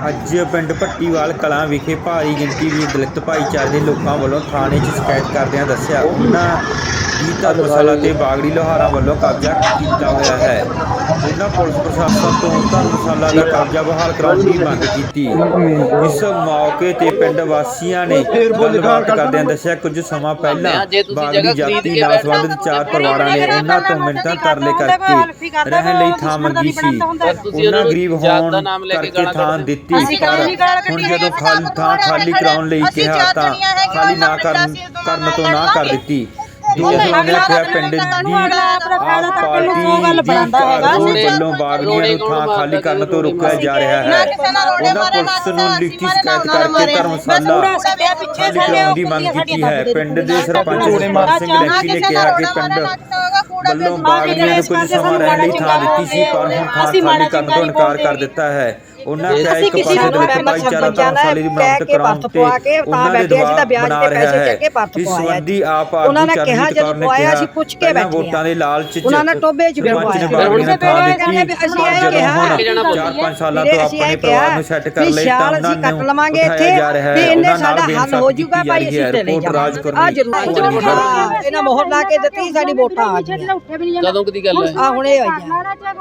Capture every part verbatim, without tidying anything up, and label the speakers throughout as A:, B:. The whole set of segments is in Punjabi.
A: ਅੱਜ ਪਿੰਡ ਭੱਟੀਵਾਲ ਕਲਾਂ ਵਿਖੇ ਭਾਰੀ ਗਿਣਤੀ ਵਿੱਚ ਦਲਿਤ ਭਾਈਚਾਰੇ ਦੇ ਲੋਕਾਂ ਵੱਲੋਂ ਥਾਣੇ 'ਚ ਸ਼ਿਕਾਇਤ ਕਰਦਿਆਂ ਦੱਸਿਆ ਉਹਨਾਂ ਦੀ ਧਰਮਸ਼ਾਲਾ ਤੇ ਬਾਗੜੀ ਲੋਹਾਰਾਂ ਵੱਲੋਂ ਕਬਜ਼ਾ ਕੀਤਾ ਹੋਇਆ ਹੈ। ਉਹਨਾਂ ਪੁਲਿਸ ਪ੍ਰਸ਼ਾਸਨ ਤੋਂ ਧਰਮਸ਼ਾਲਾ ਦਾ ਕਬਜ਼ਾ ਬਹਾਲ ਕਰਾਉਣ ਦੀ ਮੰਗ ਕੀਤੀ। ਇਸ ਮੌਕੇ ਤੇ ਪਿੰਡ ਵਾਸੀਆਂ ਨੇ ਗੱਲਬਾਤ ਕਰਦਿਆਂ ਦੱਸਿਆ ਕੁਝ ਸਮਾਂ ਪਹਿਲਾਂ ਬਾਗੜੀ ਜਾਤੀ ਨਾਲ ਸੰਬੰਧਿਤ ਚਾਰ ਪਰਿਵਾਰਾਂ ਨੇ ਉਹਨਾਂ ਤੋਂ ਮਿੰਟਾਂ ਤਰਲੇ ਕਰਕੇ ਰਹਿਣ ਲਈ ਥਾਂ ਮੰਗੀ ਸੀ। ਉਹਨਾਂ ਗਰੀਬ ਹੋਣ ਕਰਕੇ ਥਾਂ ਦਿੱਤੀ, ਪਰ ਹੁਣ ਜਦੋਂ ਖਾਲੀ ਥਾਂ ਖਾਲੀ ਕਰਾਉਣ ਲਈ ਕਿਹਾ ਤਾਂ ਖਾਲੀ ਨਾ ਕਰਨ ਕਰਨ ਤੋਂ ਨਾ ਕਰ ਦਿੱਤੀ। ਦੂਜੇ ਨੇ ਕਿਹਾ ਪਿੰਡ ਦੀ ਆਪ ਪਾਰਟੀ ਦੀ ਕਾਰਗੁਜ਼ਾਰੀ ਵੱਲੋਂ ਬਾਗੜੀਆਂ ਨੂੰ ਥਾਂ ਖਾਲੀ ਕਰਨ ਤੋਂ ਰੋਕਿਆ ਜਾ ਰਿਹਾ ਹੈ। ਉਹਨਾਂ ਪੁਲਿਸ ਨੂੰ ਲਿਖਤੀ ਸ਼ਿਕਾਇਤ ਕਰਕੇ ਧਰਮਸ਼ਾਲਾ ਖਾਲੀ ਕਰਾਉਣ ਦੀ ਮੰਗ ਕੀਤੀ ਹੈ। ਪਿੰਡ ਦੇ ਸਰਪੰਚ ਨਿਮਾਰ ਸਿੰਘ ਲੈਂਕੀ ਨੇ ਕਿਹਾ ਕਿ ਪਿੰਡ ਵੱਲੋਂ ਬਾਗੜੀਆਂ ਨੂੰ ਕੁਝ ਸਮਾਂ ਰਹਿਣ ਲਈ ਥਾਂ ਦਿੱਤੀ ਸੀ, ਪਰ ਹੁਣ ਥਾਂ ਖਾਲੀ ਕਰਨ ਤੋਂ ਇਨਕਾਰ ਕਰ ਦਿੱਤਾ ਹੈ। ਉਹਨਾਂ ਕਿਹਾ ਇੱਕ ਪਾਸੇ ਦਲਿਤ ਭਾਈਚਾਰਾ ਧਰਮਸ਼ਾਲਾ ਦੀ ਮੁਰੰਮਤ ਕਰਾਉਣ ਤੇ ਉਹਨਾਂ ਦੇ ਦਬਾਅ ਬਣਾ ਰਿਹਾ ਹੈ। ਇਸ ਸੰਬੰਧੀ ਆਪ ਆਗੂ ਚਰਨਜੀਤ ਕੌਰ ਨੇ ਕਿਹਾ ਪਹਿਲਾਂ ਵੋਟਾਂ ਦੇ ਲਾਲਚ ਚ ਸਰਪੰਚ ਨੇ ਬਾਗੜੀਆਂ ਨੂੰ ਥਾਂ ਦਿੱਤੀ, ਪਰ ਜਦੋਂ ਹੁਣ ਚਾਰ ਪੰਜ ਸਾਲਾਂ ਤੋਂ ਆਪਣੇ ਪਰਿਵਾਰ ਨੂੰ ਸੈੱਟ ਕਰ ਲਈ ਤਾਂ ਉਹਨਾਂ ਨੂੰ ਉਠਾਇਆ ਜਾ ਰਿਹਾ ਹੈ। ਉਹਨਾਂ ਨਾਲ ਬੇਇਨਸਾਫੀ ਕੀਤੀ ਜਾ ਰਹੀ ਹੈ। ਰਿਪੋਰਟ ਰਾਜ ਕਰਨੀ
B: ਇਹਨਾਂ ਮੋਹਰ ਲਾ ਕੇ ਦਿੱਤੀ, ਸਾਡੀ ਵੋਟਾਂ ਆ ਜਾਣੀਆਂ।
C: ਕਦੋਂ ਦੀ ਗੱਲ ਹੈ?
B: ਆ ਹੁਣੇ ਹੋਈ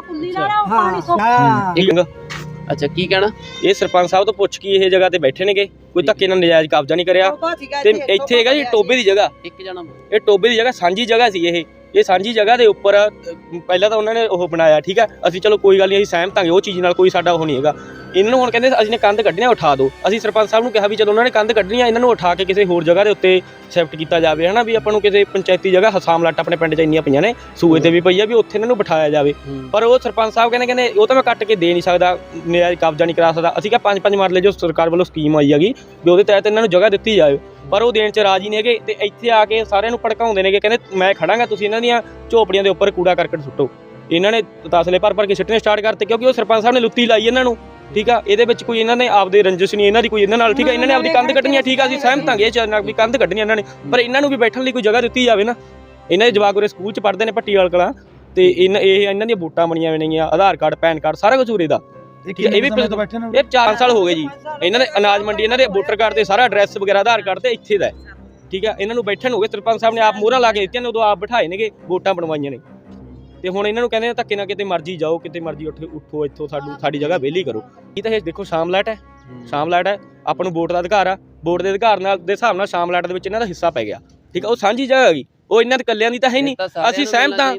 B: ਆ।
C: ਅੱਛਾ, ਕੀ ਕਹਿਣਾ? ਇਹ ਸਰਪੰਚ ਸਾਹਿਬ ਤੋਂ ਪੁੱਛ ਕੇ ਇਹ ਜਗ੍ਹਾ ਤੇ ਬੈਠੇ ਨੇਗੇ, ਕੋਈ ਧੱਕੇ ਨਾਲ ਨਜਾਇਜ਼ ਕਬਜ਼ਾ ਨਹੀਂ ਕਰਿਆ। ਤੇ ਇੱਥੇ ਹੈਗਾ ਜੀ ਟੋਬੇ ਦੀ ਜਗ੍ਹਾ, ਇੱਕ ਜਣਾ ਇਹ ਟੋਬੇ ਦੀ ਜਗ੍ਹਾ ਸਾਂਝੀ ਜਗ੍ਹਾ ਸੀ। ਇਹ ਇਹ ਸਾਂਝੀ ਜਗ੍ਹਾ ਦੇ ਉੱਪਰ ਪਹਿਲਾਂ ਤਾਂ ਉਹਨਾਂ ਨੇ ਉਹ ਬਣਾਇਆ, ਠੀਕ ਹੈ, ਅਸੀਂ ਚਲੋ ਕੋਈ ਗੱਲ ਨਹੀਂ, ਅਸੀਂ ਸਹਿਮਤ ਹਾਂਗੇ, ਉਹ ਚੀਜ਼ ਨਾਲ ਕੋਈ ਸਾਡਾ ਉਹ ਨਹੀਂ ਹੈਗਾ। ਇਹਨਾਂ ਨੂੰ ਹੁਣ ਕਹਿੰਦੇ ਅਸੀਂ ਨੇ ਕੰਧ ਕੱਢਣੀ ਉਠਾ ਦਿਓ। ਅਸੀਂ ਸਰਪੰਚ ਸਾਹਿਬ ਨੂੰ ਕਿਹਾ ਵੀ ਚਲੋ ਉਹਨਾਂ ਨੇ ਕੰਧ ਕੱਢਣੀ ਆ, ਇਹਨਾਂ ਨੂੰ ਉਠਾ ਕੇ ਕਿਸੇ ਹੋਰ ਜਗ੍ਹਾ ਦੇ ਉੱਤੇ ਸ਼ਿਫਟ ਕੀਤਾ ਜਾਵੇ, ਹੈ ਨਾ, ਵੀ ਆਪਾਂ ਨੂੰ ਕਿਸੇ ਪੰਚਾਇਤੀ ਜਗ੍ਹਾ ਹਸਾਮ ਲੱਟ ਆਪਣੇ ਪਿੰਡ 'ਚ ਇੰਨੀਆਂ ਪਈਆਂ ਨੇ, ਸੂਏ ਤੇ ਵੀ ਪਈ ਆ, ਵੀ ਉੱਥੇ ਇਹਨਾਂ ਨੂੰ ਬਿਠਾਇਆ ਜਾਵੇ। ਪਰ ਉਹ ਸਰਪੰਚ ਸਾਹਿਬ ਕਹਿੰਦੇ ਕਹਿੰਦੇ ਉਹ ਤਾਂ ਮੈਂ ਕੱਟ ਕੇ ਦੇ ਨਹੀਂ ਸਕਦਾ, ਨਜਾਇਜ਼ ਕਬਜ਼ਾ ਨਹੀਂ ਕਰਾ ਸਕਦਾ। ਅਸੀਂ ਕਿਹਾ ਪੰਜ ਪੰਜ ਮਰਲੇ ਜੋ ਸਰਕਾਰ ਵੱਲੋਂ ਸਕੀਮ ਆਈ ਹੈਗੀ ਵੀ ਉਹਦੇ ਤਹਿਤ ਇਹਨਾਂ ਨੂੰ ਜਗ੍ਹਾ ਦਿੱਤੀ ਜਾਵੇ, ਪਰ ਉਹ ਦੇਣ 'ਚ ਰਾਜੀ ਨਹੀਂ ਹੈਗੇ। ਤੇ ਇੱਥੇ ਆ ਕੇ ਸਾਰਿਆਂ ਨੂੰ ਭੜਕਾਉਂਦੇ ਨੇਗੇ, ਕਹਿੰਦੇ ਮੈਂ ਖੜਾਂਗਾ, ਤੁਸੀਂ ਇਹਨਾਂ ਦੀਆਂ ਝੋਪੜੀਆਂ ਦੇ ਉੱਪਰ ਕੂੜਾ ਕਰਕਟ ਸੁੱਟੋ। ਇਹਨਾਂ ਨੇ ਤਸਲੇ ਭਰ ਭਰ ਕੇ ਸਿੱਟਣੇ ਸਟਾਰਟ ਕਰਤੇ, ਕਿਉਂਕਿ ਉਹ ਸਰਪੰਚ ਸਾਹਿਬ ਨੇ ਲੁੱਤੀ ਲਾਈ ਇਹਨਾਂ ਨੂੰ, ਠੀਕ ਆ। ਇਹਦੇ ਵਿੱਚ ਕੋਈ ਇਹਨਾਂ ਨੇ ਆਪਦੇ ਰੰਜਿਸ਼ ਨਹੀਂ, ਇਹਨਾਂ ਦੀ ਕੋਈ ਇਹਨਾਂ ਨਾਲ, ਠੀਕ ਆ। ਇਹਨਾਂ ਨੇ ਆਪਦੀ ਕੰਧ ਕੱਢਣੀ ਆ, ਠੀਕ ਆ, ਅਸੀਂ ਸਹਿਮਤ ਹਾਂਗੇ ਇਹ ਚੀਜ਼ ਵੀ ਕੰਧ ਕੱਢਣੀ ਇਹਨਾਂ ਨੇ, ਪਰ ਇਹਨਾਂ ਨੂੰ ਵੀ ਬੈਠਣ ਲਈ ਕੋਈ ਜਗ੍ਹਾ ਦਿੱਤੀ ਜਾਵੇ ਨਾ। ਇਹਨਾਂ ਦੇ ਜਵਾਕ ਉਰੇ ਸਕੂਲ 'ਚ ਪੜ੍ਹਦੇ ਨੇ ਭੱਟੀਵਾਲ ਕਲਾਂ, ਤੇ ਇਹਨਾਂ ਇਹ ਇਹਨਾਂ ਦੀਆਂ ਵੋਟਾਂ ਬਣੀਆਂ ਹੋਈਆਂ, ਆਧਾਰ ਕਾਰਡ ਪੈਨ ਕਾਰਡ ਸਾਰਾ ਕੁਝ ਉਰੇ ਦਾ। ਇਹ ਵੀ ਇਹ ਚਾਰ ਸਾਲ ਹੋ ਗਏ ਜੀ ਇਹਨਾਂ ਦੇ ਅਨਾਜ ਮੰਡੀ, ਇਹਨਾਂ ਦੇ ਵੋਟਰ ਕਾਰਡ ਤੇ ਸਾਰਾ ਐਡਰੈਸ ਵਗੈਰਾ ਆਧਾਰ ਕਾਰਡ ਤੇ ਇੱਥੇ ਦਾ, ਠੀਕ ਆ। ਇਹਨਾਂ ਨੂੰ ਬੈਠਣ ਹੋ ਗਏ, ਸਰਪੰਚ ਸਾਹਿਬ ਨੇ ਆਪ ਮੋਹਰਾਂ ਲਾ ਕੇ ਦਿੱਤੀਆਂ ਨੇ, ਉਦੋਂ ਆਪ ਬਿਠਾਏ ਨੇਗੇ, ਵੋਟਾਂ ਬਣਵਾਈਆਂ ਨੇ। ਤੇ ਹੁਣ ਇਹਨਾਂ ਨੂੰ ਕਹਿੰਦੇ ਨੇ ਧੱਕੇ ਨਾਲ ਕਿਤੇ ਮਰਜ਼ੀ ਜਾਓ, ਕਿਤੇ ਮਰਜ਼ੀ ਉੱਠ ਉੱਠੋ, ਇੱਥੋਂ ਸਾਡੂ ਸਾਡੀ ਜਗ੍ਹਾ ਵਿਹਲੀ ਕਰੋ। ਇਹ ਤਾਂ ਇਹ ਦੇਖੋ ਸ਼ਾਮ ਲਾਈਟ ਹੈ, ਸ਼ਾਮ ਲਾਈਟ ਹੈ, ਆਪਾਂ ਨੂੰ ਵੋਟ ਦਾ ਅਧਿਕਾਰ ਆ, ਵੋਟ ਦੇ ਅਧਿਕਾਰ ਨਾਲ ਦੇ ਹਿਸਾਬ ਨਾਲ ਸ਼ਾਮ ਲਾਈਟ ਦੇ ਵਿੱਚ ਇਹਨਾਂ ਦਾ ਹਿੱਸਾ ਪੈ ਗਿਆ, ਠੀਕ ਆ। ਉਹ ਸਾਂਝੀ ਜਗ੍ਹਾ ਹੈਗੀ, ਉਹ ਇਹਨਾਂ ਦੇ ਇਕੱਲਿਆਂ ਦੀ ਤਾਂ ਹੈ ਨਹੀਂ, ਅਸੀਂ ਸਹਿਮਤ ਹਾਂ।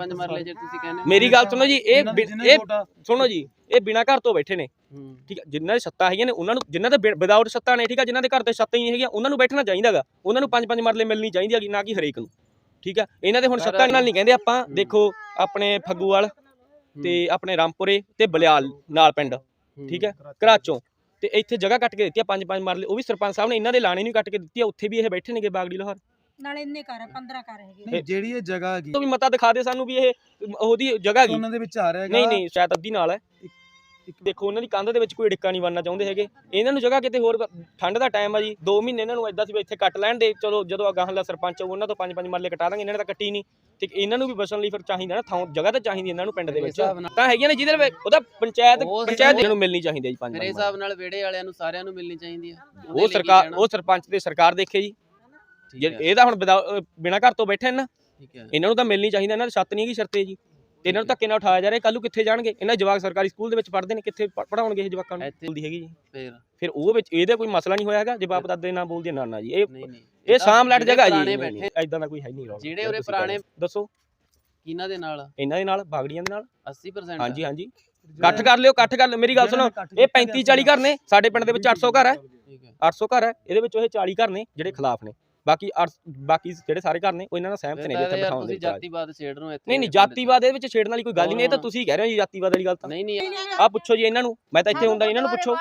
C: ਮੇਰੀ ਗੱਲ ਸੁਣੋ ਜੀ, ਇਹ ਇਹ ਸੁਣੋ ਜੀ, ਇਹ ਬਿਨਾਂ ਘਰ ਤੋਂ ਬੈਠੇ ਨੇ, ਠੀਕ ਹੈ। ਜਿਨ੍ਹਾਂ ਦੀ ਸੱਤਾ ਹੈਗੀਆਂ ਨੇ ਉਹਨਾਂ ਨੂੰ, ਜਿਨ੍ਹਾਂ ਦੇ ਵਿਦਆਊਟ ਸੱਤਾ ਨੇ, ਠੀਕ ਹੈ, ਜਿਨ੍ਹਾਂ ਦੇ ਘਰ ਤੇ ਸੱਤਾ ਹੀ ਨਹੀਂ ਹੈਗੀਆਂ, ਉਹਨਾਂ ਨੂੰ ਬੈਠਣਾ ਚਾਹੀਦਾ ਗਾ। ਉਹਨਾਂ ਨੂੰ ਪੰਜ ਪੰਜ ਮਰਲੇ ਮਿਲਣੀ ਚਾਹੀਦੀ ਹੈਗੀ, ਨਾ ਕਿ ਹਰੇਕ ਨੂੰ, ਠੀਕ ਆ। ਇਹਨਾਂ ਦੇ ਹੁਣ ਸੱਤਾ ਨਾਲ ਨਹੀਂ ਕਹਿੰਦੇ ਆਪਾਂ। ਦੇਖੋ ਆਪਣੇ ਫੱਗੂਵਾਲ ਤੇ ਆਪਣੇ ਰਾਮਪੁਰੇ ਤੇ ਬਲਿਆਲ ਨਾਲ ਪਿੰਡ, ਠੀਕ ਹੈ, ਘਰਾਚੋਂ, ਤੇ ਇੱਥੇ ਜਗ੍ਹਾ ਕੱਟ ਕੇ ਦਿੱਤੀ ਆ ਪੰਜ ਪੰਜ ਮਰਲੇ, ਉਹ ਵੀ ਸਰਪੰਚ ਸਾਹਿਬ ਨੇ ਇਹਨਾਂ ਦੇ ਲਾਣੇ ਨੂੰ ਕੱਟ ਕੇ ਦਿੱਤੀ ਆ। ਉੱਥੇ ਵੀ ਇਹ ਬੈਠੇ ਨੇਗੇ ਬਾਗੜੀ ਲੋਹਾਰ
B: ਨਾਲੇ ਇੰਨੇ ਘਰ ਹੈ, ਪੰਦਰਾਂ ਘਰ ਹੈਗੇ।
D: ਜਿਹੜੀ ਇਹ ਜਗ੍ਹਾ ਹੈਗੀ
A: ਤੋਂ ਵੀ ਮਤਾ ਦਿਖਾ ਦੇ ਸਾਨੂੰ ਵੀ ਇਹ ਉਹਦੀ ਜਗ੍ਹਾ ਹੈਗੀ।
D: ਉਹਨਾਂ ਦੇ ਵਿੱਚ ਆ ਰਿਹਾ ਹੈਗਾ,
A: ਨਹੀਂ ਨਹੀਂ ਸ਼ਾਇਦ ਅੱਧੀ ਨਾਲ ਹੈ। ਦੇਖੋ ਉਹਨਾਂ ਦੀ ਕੰਧ ਦੇ ਵਿੱਚ ਕੋਈ ਡਿੱਕਾ ਨਹੀਂ ਬਣਨਾ ਚਾਹੁੰਦੇ ਹੈਗੇ। ਇਹਨਾਂ ਨੂੰ ਜਗ੍ਹਾ ਕਿਤੇ ਹੋਰ, ਠੰਡ ਦਾ ਟਾਈਮ ਆ ਜੀ, ਦੋ ਮਹੀਨੇ ਇਹਨਾਂ ਨੂੰ ਏਦਾਂ ਸੀ ਵੀ ਇੱਥੇ ਕੱਟ ਲੈਣ ਦੇ, ਚਲੋ ਜਦੋਂ ਅਗਾਂਹਲਾ ਸਰਪੰਚ ਆਊ ਉਹਨਾਂ ਤੋਂ ਪੰਜ ਪੰਜ ਮਰਲੇ ਕਟਾ ਦਾਂਗੇ। ਇਹਨਾਂ ਨੇ ਤਾਂ ਕੱਟੀ ਨਹੀਂ, ਠੀਕ। ਇਹਨਾਂ ਨੂੰ ਵੀ ਬਸਣ ਲਈ ਫਿਰ ਚਾਹੀਦਾ ਨਾ ਥਾਂ, ਜਗ੍ਹਾ ਤਾਂ ਚਾਹੀਦੀ ਇਹਨਾਂ ਨੂੰ ਪਿੰਡ ਦੇ ਵਿੱਚ ਤਾਂ ਹੈਗੀਆਂ ਨੇ, ਜਿਹਦੇ ਉਹਦਾ ਪੰਚਾਇਤ ਪੰਚਾਇਤ ਇਹਨਾਂ ਨੂੰ ਮਿਲਣੀ ਚਾਹੀਦੀ ਹੈ ਜੀ। ਪੰਜ
C: ਮੇਰੇ ਹਿਸਾਬ ਨਾਲ ਵਿਹੜੇ ਵਾਲਿਆਂ ਨੂੰ ਸਾਰਿਆਂ ਨੂੰ ਮਿਲਣੀ ਚਾਹੀਦੀ ਆ।
A: ਉਹ ਸਰਕਾਰ, ਉਹ ਸਰਪੰਚ ਤੇ ਸਰਕਾਰ ਦੇਖੇ ਜੀ, ਇਹ ਤਾਂ ਹੁਣ ਬਿਨਾਂ ਘਰ ਤੋਂ ਬੈਠੇ ਨਾ, ਇਹਨਾਂ ਨੂੰ ਤਾਂ ਮਿਲਣੀ ਚਾਹੀਦੀ। ਇਹਨਾਂ ਦੀ ਛੱਤ ਨਹੀਂ ਹੈਗੀ ਸ਼ਰਤੇ ਜੀ, ਤੇ ਇਹਨਾਂ ਨੂੰ ਧੱਕੇ ਨਾਲ ਉਠਾਇਆ ਜਾ ਰਿਹਾ। ਕੱਲ੍ਹ ਨੂੰ ਕਿੱਥੇ ਜਾਣਗੇ? ਇਹਨਾਂ ਜਵਾਕ ਸਰਕਾਰੀ ਸਕੂਲ ਦੇ ਵਿੱਚ ਪੜ੍ਹਦੇ ਨੇ, ਕਿੱਥੇ ਪੜ੍ਹਾਉਣਗੇ ਇਹ ਜਵਾਕਾਂ ਨੂੰ? ਬੋਲਦੀ ਹੈਗੀ ਜੀ, ਫਿਰ ਫਿਰ ਉਹ ਵਿੱਚ ਇਹਦਾ ਕੋਈ ਮਸਲਾ ਨਹੀਂ ਹੋਇਆ ਹੈਗਾ ਜੇ ਬਾਪ ਦਾਦੇ ਨਾਲ ਬੋਲਦੇ ਨਾ ਨਾ ਜੀ। ਇਹ ਇਹ ਸ਼ਾਮ ਲਾਈਟ ਜਗ੍ਹਾ ਜੀ, ਏਦਾਂ ਦਾ ਕੋਈ ਹੈ ਨਹੀਂ।
C: ਜਿਹੜੇ ਉਰੇ ਪੁਰਾਣੇ
A: ਦੱਸੋ
C: ਕਿਹਨਾਂ ਦੇ ਨਾਲ?
A: ਇਹਨਾਂ ਦੇ ਨਾਲ, ਬਾਗੜੀਆਂ ਦੇ ਨਾਲ
C: ਅੱਸੀ ਪਰਸੈਂਟ।
A: ਹਾਂਜੀ ਹਾਂਜੀ, ਇਕੱਠ ਕਰ ਲਿਓ, ਇਕੱਠ ਕਰ ਲਿਓ। ਮੇਰੀ ਗੱਲ ਸੁਣੋ, ਇਹ ਪੈਂਤੀ ਚਾਲੀ ਘਰ ਨੇ, ਸਾਡੇ ਪਿੰਡ ਦੇ ਵਿੱਚ ਅੱਠ ਸੌ ਘਰ ਹੈ, ਅੱਠ ਸੌ ਘਰ ਹੈ, ਇਹਦੇ ਵਿੱਚੋਂ ਇਹ ਚਾਲੀ ਘਰ ਨੇ ਜਿਹੜੇ ਖਿਲਾਫ ਨੇ। ਬਾਕੀ ਬਾਕੀ ਜਿਹੜੇ ਸਾਰੇ ਘਰ ਨੇ ਉਹ ਇਹਨਾਂ ਨਾਲ ਸਹਿਮਤ ਨੇ। ਇੱਥੇ ਬਿਠਾਉਣ ਦੇ
C: ਜਾਤੀਵਾਦ ਛੇੜ ਰਹੇ ਹੋ ਇੱਥੇ?
A: ਨਹੀਂ ਨਹੀਂ, ਜਾਤੀਵਾਦ ਇਹਦੇ ਵਿੱਚ ਛੇੜਨ ਵਾਲੀ ਕੋਈ ਗੱਲ ਹੀ ਨਹੀਂ। ਇਹ ਤਾਂ ਤੁਸੀਂ ਕਹਿ ਰਹੇ ਹੋ ਜੀ ਜਾਤੀਵਾਦ ਵਾਲੀ ਗੱਲ ਤਾਂ।
C: ਨਹੀਂ ਨਹੀਂ,
A: ਆਹ ਪੁੱਛੋ ਜੀ ਇਹਨਾਂ ਨੂੰ, ਮੈਂ ਤਾਂ ਇੱਥੇ ਹੁੰਦਾ, ਇਹਨਾਂ ਨੂੰ ਪੁੱਛੋ।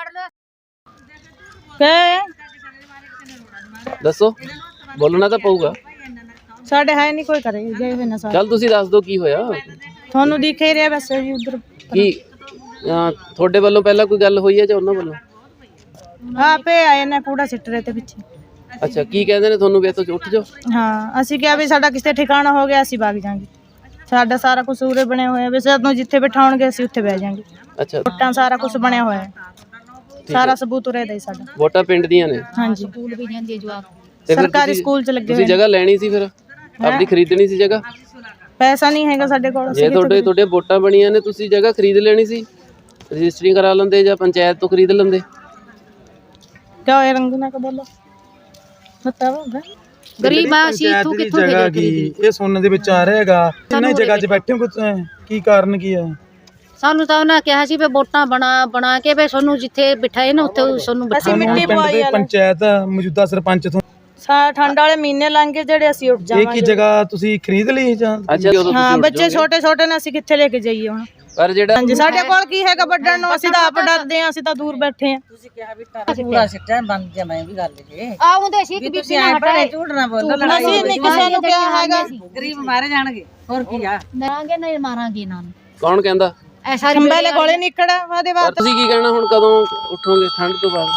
C: ਦੱਸੋ, ਬੋਲਣਾ ਤਾਂ ਪਊਗਾ।
B: ਸਾਡੇ ਹੈ ਨਹੀਂ ਕੋਈ ਕਰੇ ਗਏ ਹੋਏ ਨਾ ਸਾਰੇ।
C: ਚੱਲ ਤੁਸੀਂ ਦੱਸ ਦਿਓ ਕੀ ਹੋਇਆ
B: ਤੁਹਾਨੂੰ ਦਿਖ ਹੀ ਰਿਹਾ ਬਸ ਜੀ ਉਧਰ।
C: ਕੀ ਤੁਹਾਡੇ ਵੱਲੋਂ ਪਹਿਲਾਂ ਕੋਈ ਗੱਲ ਹੋਈ ਹੈ ਜਾਂ ਉਹਨਾਂ ਵੱਲੋਂ?
B: ਆਪੇ ਆਏ ਨੇ ਕੂੜਾ ਸਿੱਟ ਰਹੇ ਤੇ ਪਿੱਛੇ।
C: ਅੱਛਾ, ਕੀ ਕਹਿੰਦੇ ਨੇ ਤੁਹਾਨੂੰ ਵੀ ਇੱਥੋਂ ਉੱਠ ਜਾਓ?
B: ਹਾਂ, ਅਸੀਂ ਕਿਹਾ ਵੀ ਸਾਡਾ ਕਿਸੇ ਠਿਕਾਣਾ ਹੋ ਗਿਆ ਅਸੀਂ ਵਗ ਜਾਾਂਗੇ, ਸਾਡਾ ਸਾਰਾ ਕੁਝ ਉਰੇ ਬਣਿਆ ਹੋਇਆ, ਵੀ ਸਾਨੂੰ ਜਿੱਥੇ ਬਿਠਾਉਣਗੇ ਅਸੀਂ ਉੱਥੇ ਬਹਿ ਜਾਾਂਗੇ।
C: ਅੱਛਾ,
B: ਵੋਟਾਂ ਸਾਰਾ ਕੁਝ ਬਣਿਆ ਹੋਇਆ। ਸਾਰਾ ਸਬੂਤ ਉਰੇ ਦਾ ਹੀ ਸਾਡਾ।
C: ਵੋਟਾਂ ਪਿੰਡ ਦੀਆਂ ਨੇ।
B: ਹਾਂਜੀ
D: ਸਕੂਲ ਵੀ ਜਾਂਦੇ ਜਵਾਕ।
C: ਤੇ ਫਿਰ
B: ਸਰਕਾਰੀ
C: ਤੁਸੀਂ-
B: ਸਕੂਲ ਚ ਲੱਗੇ
C: ਤੁਸੀਂ
B: ਹੋਏ
C: ਜਗ੍ਹਾ ਲੈਣੀ ਸੀ, ਫਿਰ ਆਪਦੀ ਖਰੀਦਣੀ ਸੀ ਜਗ੍ਹਾ।
B: ਪੈਸਾ ਨਹੀਂ ਹੈਗਾ ਸਾਡੇ ਕੋਲ।
C: ਜੇ ਤੁਹਾਡੇ ਤੁਹਾਡੇ ਵੋਟਾਂ ਬਣੀਆਂ ਨੇ, ਤੁਸੀਂ ਜਗ੍ਹਾ ਖਰੀਦ ਲੈਣੀ ਸੀ, ਰਜਿਸਟਰੀ ਕਰਾ ਲੈਂਦੇ ਜਾਂ ਪੰਚਾਇਤ ਤੋਂ ਖਰੀਦ ਲੈਂਦੇ।
B: ਕਿਆ ਹੋਇਆ ਰੰਗੂਨਾ ਕਾ ਬੋਲੋ ਬਤਾਓ।
D: ਗਰੀਬ ਆ ਅਸੀਂ, ਤੂੰ ਕਿੱਥੋਂ
E: ਜਗ੍ਹਾ
D: ਖਰੀਦੀ?
E: ਕੀ ਇਹ ਸੁਣਨ ਦੇ ਵਿੱਚ ਆ ਰਿਹਾ ਹੈਗਾ, ਇਹਨਾਂ ਜਗ੍ਹਾ 'ਚ ਬੈਠੇ ਹੋ ਕੁਛ, ਕੀ ਕਾਰਨ ਕੀ ਹੈ?
D: ਸਾਨੂੰ ਤਾਂ ਉਹਨਾਂ ਕਿਹਾ ਸੀ ਵੀ ਵੋਟਾਂ ਬਣਾ ਬਣਾ ਕੇ ਵੀ ਸਾਨੂੰ ਜਿੱਥੇ ਬਿਠਾਏ ਨਾ ਉੱਥੇ ਸਾਨੂੰ
B: ਅਸੀਂ
D: ਬਿਠਾਉਣਾ।
B: ਮਿੱਟੀ
E: ਪਿੰਡ
B: ਪਵਾਈ
E: ਦੇ
B: ਆ
E: ਪੰਚਾਇਤ ਮੌਜੂਦਾ ਸਰਪੰਚ ਤੋਂ
B: ਸਾ ਠੰਡ ਵਾਲੇ ਮਹੀਨੇ ਲੰਘੇ ਜਿਹੜੇ ਅਸੀਂ ਉੱਠ
E: ਇਹ
B: ਜਾਵਾਂਗੇ।
E: ਕੀ ਜਗ੍ਹਾ ਤੁਸੀਂ ਖਰੀਦ ਲਈ ਜਾਂ
C: ਅੱਛਾ, ਉਦੋਂ
B: ਹਾਂ
C: ਤੁਸੀਂ
B: ਬੱਚੇ ਛੋਟੇ ਛੋਟੇ ਨੇ, ਅਸੀਂ ਕਿੱਥੇ ਲੈ ਕੇ ਜਾਈਏ ਹੁਣ।
C: ਪਰ ਜਿਹੜਾ
B: ਹਾਂਜੀ ਸਾਡੇ ਕੋਲ ਕੀ ਹੈਗਾ ਵੱਡਣ ਨੂੰ, ਅਸੀਂ ਤਾਂ ਆਪ ਡਰਦੇ ਆ, ਅਸੀਂ ਤਾਂ ਦੂਰ ਬੈਠੇ ਆ।
F: ਪੂਰਾ ਸਿੱਟਾ ਬੰਦ ਜਾ ਮੈਂ ਵੀ ਗੱਲ ਜੇ
D: ਆਉਂਦੇ ਸੀ ਕਿ ਬੀਬੀ ਨਾ ਹਟਾਏ।
F: ਝੂਠ ਨਾ ਬੋਲੋ,
B: ਅਸੀਂ ਨਹੀਂ ਕਿਸੇ ਨੂੰ ਕਿਹਾ ਹੈਗਾ।
F: ਗਰੀਬ ਮਾਰੇ ਜਾਣਗੇ, ਹੋਰ ਕੀ ਆ।
D: ਮਰਾਂਗੇ ਨਹੀਂ ਮਾਰਾਂਗੇ ਇਹਨਾਂ ਨੂੰ।
C: ਕੌਣ ਕਹਿੰਦਾ?
D: ਐਸਾ
B: ਖੰਬੇ ਵਾਲੇ ਕੋਲੇ ਨਿਕੜਾ ਉਹਦੇ
C: ਪਰ
B: ਬਾਅਦ।
C: ਤੁਸੀਂ ਕੀ ਕਹਿਣਾ ਹੁਣ, ਕਦੋਂ ਉੱਠੋਗੇ ਠੰਡ ਤੋਂ ਬਾਅਦ?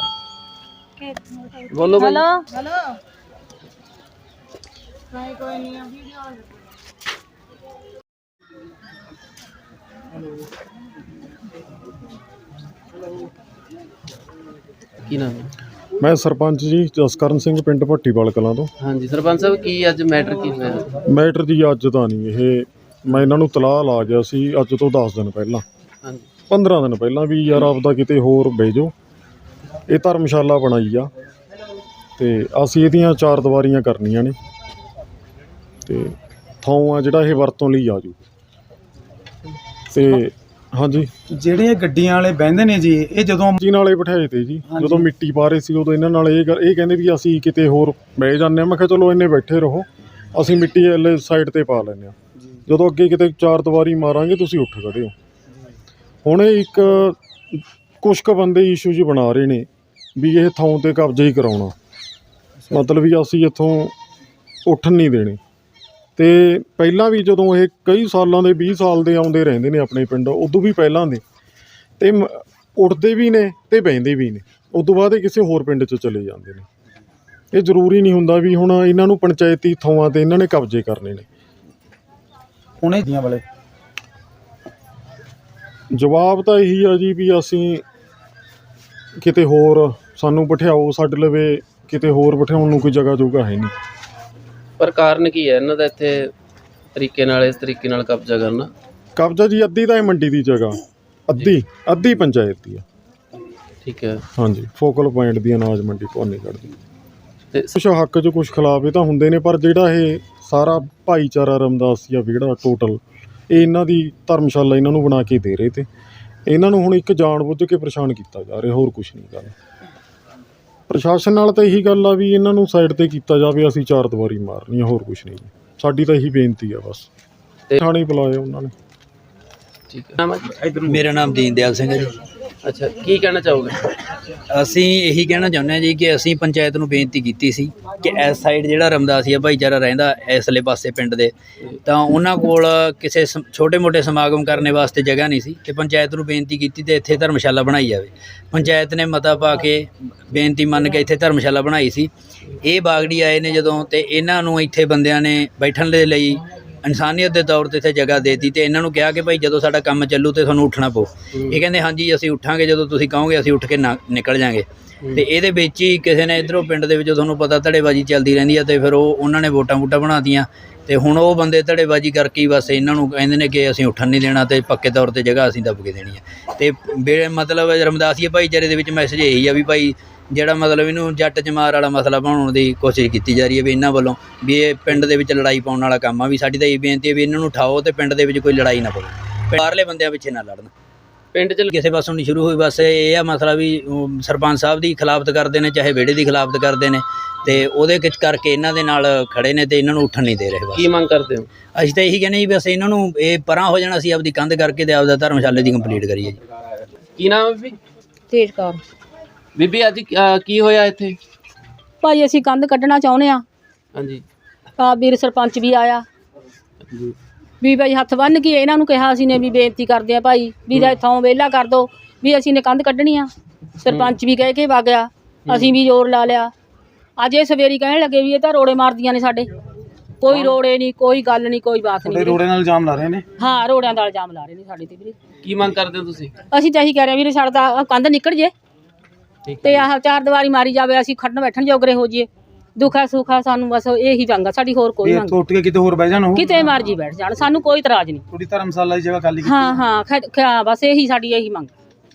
C: ਬੋਲੋ ਬਾਈ।
B: ਹੈਲੋ ਹੈਲੋ ਨਹੀਂ ਕੋਈ ਨਹੀਂ ਆ
C: ਕੀ ਨਾਮ ਹੈ?
G: ਮੈਂ ਸਰਪੰਚ ਜੀ ਜਸਕਰਨ ਸਿੰਘ ਪਿੰਡ ਭੱਟੀਵਾਲ ਕਲਾਂ ਤੋਂ।
C: ਹਾਂਜੀ ਸਰਪੰਚ ਸਾਹਿਬ, ਕੀ ਅੱਜ ਮੈਟਰ ਕੀ ਹੋਇਆ?
G: ਮੈਟਰ ਜੀ ਅੱਜ ਤਾਂ ਨਹੀਂ, ਇਹ ਮੈਂ ਇਹਨਾਂ ਨੂੰ ਤਲਾਹ ਲਾ ਗਿਆ ਸੀ ਅੱਜ ਤੋਂ ਦਸ ਦਿਨ ਪਹਿਲਾਂ,
C: ਹਾਂਜੀ
G: ਪੰਦਰਾਂ ਦਿਨ ਪਹਿਲਾਂ ਵੀ ਯਾਰ ਆਪਦਾ ਕਿਤੇ ਹੋਰ ਭੇਜੋ। ਇਹ ਧਰਮਸ਼ਾਲਾ ਬਣਾਈ ਆ ਤੇ ਅਸੀਂ ਇਹਦੀਆਂ ਚਾਰ ਦੀਵਾਰੀਆਂ ਕਰਨੀਆਂ ਨੇ ਤੇ ਥਾਂ ਆ ਜਿਹੜਾ ਇਹ ਵਰਤੋਂ ਲਈ ਆ ਜੂ। ਤੇ ਹਾਂਜੀ
E: ਜਿਹੜੇ ਗੱਡੀਆਂ ਵਾਲੇ ਬਹਿੰਦੇ ਨੇ ਜੀ, ਇਹ ਜਦੋਂ
G: ਜੀ ਨਾਲੇ ਬਿਠਾਏ ਤੇ ਜੀ, ਜਦੋਂ ਮਿੱਟੀ ਪਾ ਰਹੇ ਸੀ ਉਦੋਂ ਇਹਨਾਂ ਨਾਲ ਇਹ ਗੱਲ- ਇਹ ਕਹਿੰਦੇ ਵੀ ਅਸੀਂ ਕਿਤੇ ਹੋਰ ਬਹਿ ਜਾਂਦੇ ਹਾਂ। ਮੈਂ ਕਿਹਾ ਚਲੋ ਇੰਨੇ ਬੈਠੇ ਰਹੋ, ਅਸੀਂ ਮਿੱਟੀ ਵਾਲੇ ਸਾਈਡ ਤੇ ਪਾ ਲੈਂਦੇ ਹਾਂ। ਜਦੋਂ ਅੱਗੇ ਕਿਤੇ ਚਾਰ ਦੀਵਾਰੀ ਮਾਰਾਂਗੇ ਤੁਸੀਂ ਉੱਠ ਖੜੇ ਹੋ। ਹੁਣ ਇਹ ਇੱਕ ਕੁਛ ਕੁ ਬੰਦੇ ਇਸ਼ੂ ਜੀ ਬਣਾ ਰਹੇ ਨੇ ਵੀ ਇਹ ਥਾਂ ਤੇ ਕਬਜ਼ਾ ਹੀ ਕਰਾਉਣਾ, ਮਤਲਬ ਵੀ ਅਸੀਂ ਇੱਥੋਂ ਉੱਠਣ ਨਹੀਂ ਦੇਣੇ। ਤੇ ਪਹਿਲਾਂ ਵੀ ਜਦੋਂ ਇਹ ਕਈ ਸਾਲਾਂ ਦੇ ਵੀਹ ਸਾਲ ਦੇ ਆਉਂਦੇ ਰਹਿੰਦੇ ਨੇ ਆਪਣੇ ਪਿੰਡ, ਉਦੋਂ ਵੀ ਪਹਿਲਾਂ ਦੇ, ਤੇ ਮ- ਉੱਠਦੇ ਵੀ ਨੇ ਤੇ ਬਹਿੰਦੇ ਵੀ ਨੇ। ਉਦੋਂ ਬਾਅਦ ਇਹ ਕਿਸੇ ਹੋਰ ਪਿੰਡ 'ਚ ਚਲੇ ਜਾਂਦੇ ਨੇ। ਇਹ ਜ਼ਰੂਰੀ ਨਹੀਂ ਹੁੰਦਾ ਵੀ ਹੁਣ ਇਹਨਾਂ ਨੂੰ ਪੰਚਾਇਤੀ ਥਾਵਾਂ ਤੇ ਇਹਨਾਂ ਨੇ ਕਬਜ਼ੇ ਕਰਨੇ ਨੇ।
E: ਹੁਣੇ ਦੀਆਂ ਵਾਲੇ
G: ਜਵਾਬ ਤਾਂ ਇਹੀ ਆ ਜੀ ਵੀ ਅਸੀਂ ਕਿਤੇ ਹੋਰ ਸਾਨੂੰ ਬਿਠਾਓ, ਸਾਡੇ ਲਵੇ ਕਿਤੇ ਹੋਰ ਬਿਠਾਉਣ ਨੂੰ ਕੋਈ ਜਗ੍ਹਾ ਜੁਗਾ ਹੈ ਨਹੀਂ।
C: ਪਰ ਕਾਰਨ ਕੀ ਹੈ ਇਹਨਾਂ ਦਾ ਇੱਥੇ ਤਰੀਕੇ ਨਾਲ, ਇਸ ਤਰੀਕੇ ਨਾਲ ਕਬਜ਼ਾ ਕਰਨਾ?
G: ਕਬਜ਼ਾ ਜੀ ਅੱਧੀ ਤਾਂ ਇਹ ਮੰਡੀ ਦੀ ਜਗ੍ਹਾ, ਅੱਧੀ ਅੱਧੀ ਪੰਚਾਇਤ ਦੀ ਆ।
C: ਠੀਕ ਹੈ।
G: ਹਾਂਜੀ, ਫੋਕਲ ਪੁਆਇੰਟ ਦੀ ਅਨਾਜ ਮੰਡੀ ਭਵਾਨੀਗੜ੍ਹ ਦੀ।
C: ਤੇ
G: ਕੁਛ ਹੱਕ 'ਚ ਕੁਛ ਖਿਲਾਫ ਇਹ ਤਾਂ ਹੁੰਦੇ ਨੇ, ਪਰ ਜਿਹੜਾ ਇਹ ਸਾਰਾ ਭਾਈਚਾਰਾ ਰਮਦਾਸੀਆ ਵੀ ਜਿਹੜਾ ਟੋਟਲ ਇਹ ਇਹਨਾਂ ਦੀ ਧਰਮਸ਼ਾਲਾ ਇਹਨਾਂ ਨੂੰ ਬਣਾ ਕੇ ਦੇ ਰਹੇ ਤੇ ਇਹਨਾਂ ਨੂੰ ਹੁਣ ਇੱਕ ਜਾਣ ਬੁੱਝ ਕੇ ਪਰੇਸ਼ਾਨ ਕੀਤਾ ਜਾ ਰਿਹਾ, ਹੋਰ ਕੁਛ ਨਹੀਂ ਗੱਲ। ਪ੍ਰਸ਼ਾਸਨ ਨਾਲ ਤਾਂ ਇਹੀ ਗੱਲ ਆ ਵੀ ਇਹਨਾਂ ਨੂੰ ਸਾਈਡ ਤੇ ਕੀਤਾ ਜਾਵੇ, ਅਸੀਂ ਚਾਰ ਦੀਵਾਰੀ ਮਾਰਨੀ ਆ, ਹੋਰ ਕੁਛ ਨਹੀਂ। ਸਾਡੀ ਤਾਂ ਇਹੀ ਬੇਨਤੀ ਆ ਬਸ।
C: ਤੇ
G: ਥਾਣੇ ਬੁਲਾਇਆ ਉਹਨਾਂ ਨੇ।
C: ਠੀਕ ਹੈ। ਨਾਮ ਹੈ ਜੀ?
H: ਮੇਰਾ ਨਾਮ ਦੀਨਦਿਆਲ ਸਿੰਘ ਹੈ ਜੀ।
C: ਅੱਛਾ, ਕੀ ਕਹਿਣਾ ਚਾਹੋਗੇ?
H: ਅਸੀਂ ਇਹੀ ਕਹਿਣਾ ਚਾਹੁੰਦੇ ਹਾਂ ਜੀ ਕਿ ਅਸੀਂ ਪੰਚਾਇਤ ਨੂੰ ਬੇਨਤੀ ਕੀਤੀ ਸੀ ਕਿ ਇਸ ਸਾਈਡ ਜਿਹੜਾ ਰਮਦਾਸੀਆ ਭਾਈਚਾਰਾ ਰਹਿੰਦਾ ਇਸਲੇ ਪਾਸੇ ਪਿੰਡ ਦੇ, ਤਾਂ ਉਹਨਾਂ ਕੋਲ ਕਿਸੇ ਛੋਟੇ ਮੋਟੇ ਸਮਾਗਮ ਕਰਨੇ ਵਾਸਤੇ ਜਗ੍ਹਾ ਨਹੀਂ ਸੀ ਤੇ ਪੰਚਾਇਤ ਨੂੰ ਬੇਨਤੀ ਕੀਤੀ ਤੇ ਇੱਥੇ ਧਰਮਸ਼ਾਲਾ ਬਣਾਈ ਜਾਵੇ। ਪੰਚਾਇਤ ਨੇ ਮਤਾ ਪਾ ਕੇ ਬੇਨਤੀ ਮੰਨ ਕੇ ਇੱਥੇ ਧਰਮਸ਼ਾਲਾ ਬਣਾਈ ਸੀ। ਇਹ ਬਾਗੜੀ ਆਏ ਨੇ ਜਦੋਂ, ਤੇ ਇਹਨਾਂ ਨੂੰ ਇੱਥੇ ਬੰਦਿਆਂ ਨੇ ਬੈਠਣ ਦੇ ਲਈ ਇਨਸਾਨੀਅਤ ਦੇ ਤੌਰ 'ਤੇ ਇੱਥੇ ਜਗ੍ਹਾ ਦੇਤੀ ਤੇ ਇਹਨਾਂ ਨੂੰ ਕਿਹਾ ਕਿ ਭਾਈ ਜਦੋਂ ਸਾਡਾ ਕੰਮ ਚੱਲੂ ਤੇ ਤੁਹਾਨੂੰ ਉੱਠਣਾ ਪਊ। ਇਹ ਕਹਿੰਦੇ ਹਾਂਜੀ ਅਸੀਂ ਉੱਠਾਂਗੇ, ਜਦੋਂ ਤੁਸੀਂ ਕਹੋਗੇ ਅਸੀਂ ਉੱਠ ਕੇ ਨਾ ਨਿਕਲ ਜਾਾਂਗੇ। ਤੇ ਇਹਦੇ ਵਿੱਚ ਹੀ ਕਿਸੇ ਨੇ ਇੱਧਰੋਂ ਪਿੰਡ ਦੇ ਵਿੱਚ ਤੁਹਾਨੂੰ ਪਤਾ ਧੜੇਬਾਜ਼ੀ ਚੱਲਦੀ ਰਹਿੰਦੀ ਆ, ਤੇ ਫਿਰ ਉਹ ਉਹਨਾਂ ਨੇ ਵੋਟਾਂ ਵੋਟਾਂ ਬਣਾਤੀਆਂ ਤੇ ਹੁਣ ਉਹ ਬੰਦੇ ਧੜੇਬਾਜ਼ੀ ਕਰਕੇ ਹੀ ਬਸ ਇਹਨਾਂ ਨੂੰ ਕਹਿੰਦੇ ਨੇ ਕਿ ਅਸੀਂ ਉੱਠਣ ਨਹੀਂ ਦੇਣਾ ਤੇ ਪੱਕੇ ਤੌਰ 'ਤੇ ਜਗ੍ਹਾ ਅਸੀਂ ਦੱਬ ਕੇ ਦੇਣੀ ਆ। ਤੇ ਬੇ ਮਤਲਬ ਰਮਦਾਸੀਆ ਭਾਈਚਾਰੇ ਦੇ ਵਿੱਚ ਮੈਸੇਜ ਇਹੀ ਆ ਵੀ ਭਾਈ ਜਿਹੜਾ ਮਤਲਬ ਇਹਨੂੰ ਜੱਟ ਜਮਾਰ ਵਾਲਾ ਮਸਲਾ ਬਣਾਉਣ ਦੀ ਕੋਸ਼ਿਸ਼ ਕੀਤੀ ਜਾ ਰਹੀ ਹੈ ਵੀ ਇਹਨਾਂ ਵੱਲੋਂ ਵੀ ਇਹ ਪਿੰਡ ਦੇ ਵਿੱਚ ਲੜਾਈ ਪਾਉਣ ਵਾਲਾ ਕੰਮ ਆ। ਵੀ ਸਾਡੀ ਤਾਂ ਇਹ ਬੇਨਤੀ ਹੈ ਵੀ ਇਹਨਾਂ ਨੂੰ ਉਠਾਓ ਤੇ ਪਿੰਡ ਦੇ ਵਿੱਚ ਕੋਈ ਲੜਾਈ ਨਾ ਪਵੇ, ਬਾਹਰਲੇ ਬੰਦਿਆਂ ਪਿੱਛੇ ਨਾ ਲੜਨ। ਪਿੰਡ 'ਚ ਕਿਸੇ ਪਾਸੋਂ ਨਹੀਂ ਸ਼ੁਰੂ ਹੋਈ, ਬਸ ਇਹ ਆ ਮਸਲਾ ਵੀ ਉਹ ਸਰਪੰਚ ਸਾਹਿਬ ਦੀ ਖਿਲਾਫਤ ਕਰਦੇ ਨੇ, ਚਾਹੇ ਵਿਹੜੇ ਦੀ ਖਿਲਾਫਤ ਕਰਦੇ ਨੇ, ਤੇ ਉਹਦੇ ਕਿਚ ਕਰਕੇ ਇਹਨਾਂ ਦੇ ਨਾਲ ਖੜੇ ਨੇ ਤੇ ਇਹਨਾਂ ਨੂੰ ਉੱਠਣ ਨਹੀਂ ਦੇ ਰਹੇ। ਬਸ
C: ਕੀ ਮੰਗ ਕਰਦੇ ਹੋ?
H: ਅਸੀਂ ਤਾਂ ਇਹੀ ਕਹਿੰਦੇ ਜੀ ਬਸ ਇਹਨਾਂ ਨੂੰ ਇਹ ਪਰਾਂ ਹੋ ਜਾਣਾ, ਅਸੀਂ ਆਪਦੀ ਕੰਧ ਕਰਕੇ ਤੇ ਆਪਦਾ ਧਰਮਸ਼ਾਲੇ ਦੀ ਕੰਪਲੀਟ ਕਰੀਏ ਜੀ।
C: ਕੀ ਨਾਮ ਹੈ ਬੀਬੀ?
D: ਤੇਜ ਕੌਰ।
C: ਬੀਬੀ ਅੱਜ ਅਹ, ਕੀ ਹੋਇਆ ਇੱਥੇ?
D: ਭਾਈ ਅਸੀਂ ਕੰਧ ਕੱਢਣਾ ਚਾਹੁੰਦੇ ਆ।
C: ਹਾਂਜੀ।
D: ਆ ਵੀਰ ਸਰਪੰਚ ਵੀ ਆਇਆ ਵੀ ਭਾਈ ਹੱਥ ਬੰਨ੍ਹ ਕੇ ਇਹਨਾਂ ਨੂੰ ਕਿਹਾ ਅਸੀਂ ਨੇ ਵੀ ਬੇਨਤੀ ਕਰਦੇ ਆ ਭਾਈ ਵੀ ਦਾ ਇੱਥੋਂ ਵਿਹਲਾ ਕਰ ਦਿਓ ਵੀ ਅਸੀਂ ਨੇ ਕੰਧ ਕੱਢਣੀ ਆ। ਸਰਪੰਚ ਵੀ ਕਹਿ ਕੇ ਵਗ ਗਿਆ, ਅਸੀਂ ਵੀ ਜ਼ੋਰ ਲਾ ਲਿਆ। ਅੱਜ ਇਹ ਸਵੇਰੀ ਕਹਿਣ ਲੱਗੇ ਵੀ ਇਹ ਤਾਂ ਰੋੜੇ ਮਾਰਦੀਆਂ ਨੇ ਸਾਡੇ। ਕੋਈ ਰੋੜੇ ਨਹੀਂ, ਕੋਈ ਗੱਲ ਨਹੀਂ, ਕੋਈ ਬਾਤ
E: ਤੁਹਾਡੇ
D: ਨਹੀਂ।
E: ਰੋੜੇ ਨਾਲ ਇਲਜ਼ਾਮ ਲਾ ਰਹੇ ਨੇ?
D: ਹਾਂ, ਰੋੜਿਆਂ ਦਾ ਇਲਜ਼ਾਮ ਲਾ ਰਹੇ ਨੇ ਸਾਡੇ ਤੇ ਵੀਰੇ।
C: ਕੀ ਮੰਗ ਕਰਦੇ ਹੋ ਤੁਸੀਂ?
D: ਅਸੀਂ ਤਾਂ ਇਹੀ ਕਹਿ ਰਹੇ ਵੀਰੇ ਸਾਡਾ ਤਾਂ ਕੰਧ ਨਿਕਲ ਜੇ, ਤੇ ਆਹ ਚਾਰ ਦੀਵਾਰੀ ਮਾਰੀ ਜਾਵੇ, ਅਸੀਂ ਖੜਨ ਬੈਠਣ ਜੋਗਰੇ ਹੋ ਜਾਈਏ। ਦੁੱਖਾ ਸੁੱਖਾ ਸਾਨੂੰ ਬਸ ਇਹੀ ਮੰਗ ਆ ਸਾਡੀ, ਹੋਰ ਕੋਈ
E: ਇਹ
D: ਮੰਗ
E: ਉੱਠ ਕੇ ਕਿਤੇ ਹੋਰ ਬਹਿ ਜਾਣ ਉਹ
D: ਕਿਤੇ ਮਰਜੀ ਬੈਠ ਜਾਣ, ਸਾਨੂੰ ਕੋਈ ਇਤਰਾਜ਼ ਨਹੀਂ।
E: ਥੋੜੀ ਧਰਮਸ਼ਾਲਾ ਦੀ ਜਗ੍ਹਾ ਖਾਲੀ ਕੀਤੀ
D: ਹਾਂ ਹਾਂ ਖ- ਖ- ਬਸ ਇਹੀ ਸਾਡੀ ਇਹੀ ਮੰਗ।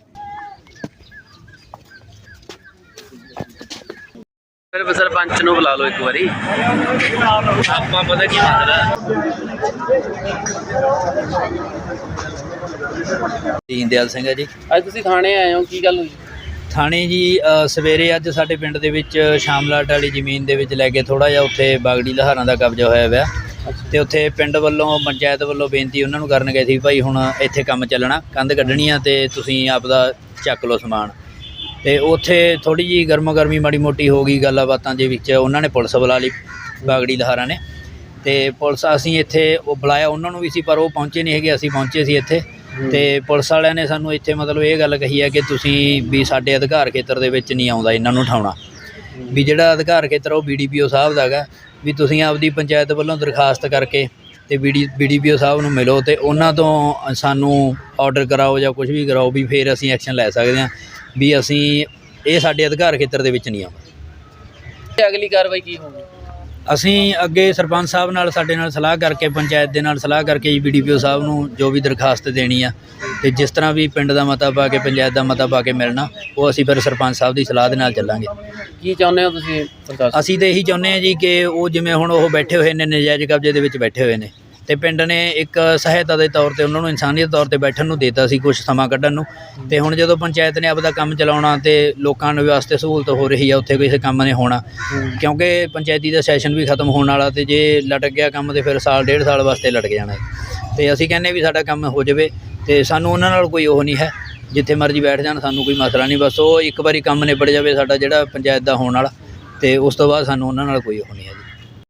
C: ਫਿਰ ਸਰਪੰਚ ਨੂੰ ਬੁਲਾ ਲਓ ਇੱਕ ਵਾਰੀ, ਆਪਾਂ ਪਤਾ ਕੀ ਮਸਲਾ।
H: ਦੀਨਦਿਆਲ ਸਿੰਘ ਹੈ ਜੀ।
C: ਅੱਜ ਤੁਸੀਂ ਥਾਣੇ ਆਏ ਹੋ, ਕੀ ਗੱਲ ਹੋਈ?
H: ਥਾਣੇ ਜੀ ਅ, ਸਵੇਰੇ ਅੱਜ ਸਾਡੇ ਪਿੰਡ ਦੇ ਵਿੱਚ ਸ਼ਾਮਲਾਟ ਵਾਲੀ ਜ਼ਮੀਨ ਦੇ ਵਿੱਚ ਲੈ ਕੇ ਥੋੜ੍ਹਾ ਜਿਹਾ ਉੱਥੇ ਬਾਗੜੀ ਲਹਾਰਾਂ ਦਾ ਕਬਜ਼ਾ ਹੋਇਆ ਹੋਇਆ, ਅਤੇ ਉੱਥੇ ਪਿੰਡ ਵੱਲੋਂ ਪੰਚਾਇਤ ਵੱਲੋਂ ਬੇਨਤੀ ਉਹਨਾਂ ਨੂੰ ਕਰਨ ਗਏ ਸੀ, ਭਾਈ ਹੁਣ ਇੱਥੇ ਕੰਮ ਚੱਲਣਾ, ਕੰਧ ਕੱਢਣੀ ਆ ਅਤੇ ਤੁਸੀਂ ਆਪਦਾ ਚੱਕ ਲਓ ਸਮਾਨ। ਅਤੇ ਉੱਥੇ ਥੋੜ੍ਹੀ ਜਿਹੀ ਗਰਮੋ ਗਰਮੀ ਮਾੜੀ ਮੋਟੀ ਹੋ ਗਈ ਗੱਲਾਂ ਬਾਤਾਂ ਦੇ ਵਿੱਚ, ਉਹਨਾਂ ਨੇ ਪੁਲਿਸ ਬੁਲਾ ਲਈ ਬਾਗੜੀ ਲਹਾਰਾਂ ਨੇ, ਅਤੇ ਪੁਲਿਸ ਅਸੀਂ ਇੱਥੇ ਉਹ ਬੁਲਾਇਆ ਉਹਨਾਂ ਨੂੰ ਵੀ ਸੀ, ਪਰ ਉਹ ਪਹੁੰਚੇ ਨਹੀਂ ਹੈਗੇ, ਅਸੀਂ ਪਹੁੰਚੇ ਸੀ ਇੱਥੇ। ਅਤੇ ਪੁਲਿਸ ਵਾਲਿਆਂ ਨੇ ਸਾਨੂੰ ਇੱਥੇ ਮਤਲਬ ਇਹ ਗੱਲ ਕਹੀ ਹੈ ਕਿ ਤੁਸੀਂ ਵੀ ਸਾਡੇ ਅਧਿਕਾਰ ਖੇਤਰ ਦੇ ਵਿੱਚ ਨਹੀਂ ਆਉਂਦਾ ਇਹਨਾਂ ਨੂੰ ਉਠਾਉਣਾ, ਵੀ ਜਿਹੜਾ ਅਧਿਕਾਰ ਖੇਤਰ ਉਹ ਬੀ ਡੀ ਪੀ ਓ ਸਾਹਿਬ ਦਾ ਹੈਗਾ, ਵੀ ਤੁਸੀਂ ਆਪਦੀ ਪੰਚਾਇਤ ਵੱਲੋਂ ਦਰਖਾਸਤ ਕਰਕੇ ਅਤੇ B D B D P O ਸਾਹਿਬ ਨੂੰ ਮਿਲੋ ਅਤੇ ਉਹਨਾਂ ਤੋਂ ਸਾਨੂੰ ਔਡਰ ਕਰਾਓ ਜਾਂ ਕੁਛ ਵੀ ਕਰਾਓ, ਵੀ ਫਿਰ ਅਸੀਂ ਐਕਸ਼ਨ ਲੈ ਸਕਦੇ ਹਾਂ, ਵੀ ਅਸੀਂ ਇਹ ਸਾਡੇ ਅਧਿਕਾਰ ਖੇਤਰ ਦੇ ਵਿੱਚ ਨਹੀਂ ਆਉਂਦਾ।
C: ਅਗਲੀ ਕਾਰਵਾਈ ਕੀ ਹੋਊਗੀ?
H: ਅਸੀਂ ਅੱਗੇ ਸਰਪੰਚ ਸਾਹਿਬ ਨਾਲ ਸਾਡੇ ਨਾਲ ਸਲਾਹ ਕਰਕੇ, ਪੰਚਾਇਤ ਦੇ ਨਾਲ ਸਲਾਹ ਕਰਕੇ ਜੀ ਬੀ ਡੀ ਪੀ ਓ ਸਾਹਿਬ ਨੂੰ ਜੋ ਵੀ ਦਰਖਾਸਤ ਦੇਣੀ ਆ, ਅਤੇ ਜਿਸ ਤਰ੍ਹਾਂ ਵੀ ਪਿੰਡ ਦਾ ਮਤਾ ਪਾ ਕੇ ਪੰਚਾਇਤ ਦਾ ਮਤਾ ਪਾ ਕੇ ਮਿਲਣਾ, ਉਹ ਅਸੀਂ ਫਿਰ ਸਰਪੰਚ ਸਾਹਿਬ ਦੀ ਸਲਾਹ ਦੇ ਨਾਲ ਚੱਲਾਂਗੇ।
C: ਕੀ ਚਾਹੁੰਦੇ ਹੋ ਤੁਸੀਂ ਪ੍ਰਸ਼ਾਸਨ?
H: ਅਸੀਂ ਤਾਂ ਇਹੀ ਚਾਹੁੰਦੇ ਹਾਂ ਜੀ ਕਿ ਉਹ ਜਿਵੇਂ ਹੁਣ ਉਹ ਬੈਠੇ ਹੋਏ ਨੇ ਨਜਾਇਜ਼ ਕਬਜ਼ੇ ਦੇ ਵਿੱਚ ਬੈਠੇ ਹੋਏ ਨੇ, ਅਤੇ ਪਿੰਡ ਨੇ ਇੱਕ ਸਹਾਇਤਾ ਦੇ ਤੌਰ 'ਤੇ ਉਹਨਾਂ ਨੂੰ ਇਨਸਾਨੀਅਤ ਤੌਰ 'ਤੇ ਬੈਠਣ ਨੂੰ ਦੇਤਾ ਸੀ ਕੁਛ ਸਮਾਂ ਕੱਢਣ ਨੂੰ, ਅਤੇ ਹੁਣ ਜਦੋਂ ਪੰਚਾਇਤ ਨੇ ਆਪਦਾ ਕੰਮ ਚਲਾਉਣਾ ਅਤੇ ਲੋਕਾਂ ਦੇ ਵਾਸਤੇ ਸਹੂਲਤ ਹੋ ਰਹੀ ਆ, ਉੱਥੇ ਕਿਸੇ ਕੰਮ ਨੇ ਹੋਣਾ, ਕਿਉਂਕਿ ਪੰਚਾਇਤੀ ਦਾ ਸੈਸ਼ਨ ਵੀ ਖਤਮ ਹੋਣ ਵਾਲਾ, ਅਤੇ ਜੇ ਲਟਕ ਗਿਆ ਕੰਮ ਤਾਂ ਫਿਰ ਸਾਲ ਡੇਢ ਸਾਲ ਵਾਸਤੇ ਲਟਕ ਜਾਣਾ। ਅਤੇ ਅਸੀਂ ਕਹਿੰਦੇ ਵੀ ਸਾਡਾ ਕੰਮ ਹੋ ਜਾਵੇ, ਅਤੇ ਸਾਨੂੰ ਉਹਨਾਂ ਨਾਲ ਕੋਈ ਉਹ ਨਹੀਂ ਹੈ, ਜਿੱਥੇ ਮਰਜ਼ੀ ਬੈਠ ਜਾਣ, ਸਾਨੂੰ ਕੋਈ ਮਸਲਾ ਨਹੀਂ, ਬਸ ਉਹ ਇੱਕ ਵਾਰੀ ਕੰਮ ਨਿਬੜ ਜਾਵੇ ਸਾਡਾ ਜਿਹੜਾ ਪੰਚਾਇਤ ਦਾ ਹੋਣ ਵਾਲਾ, ਅਤੇ ਉਸ ਤੋਂ ਬਾਅਦ ਸਾਨੂੰ ਉਹਨਾਂ ਨਾਲ ਕੋਈ ਉਹ ਨਹੀਂ ਹੈ ਜੀ।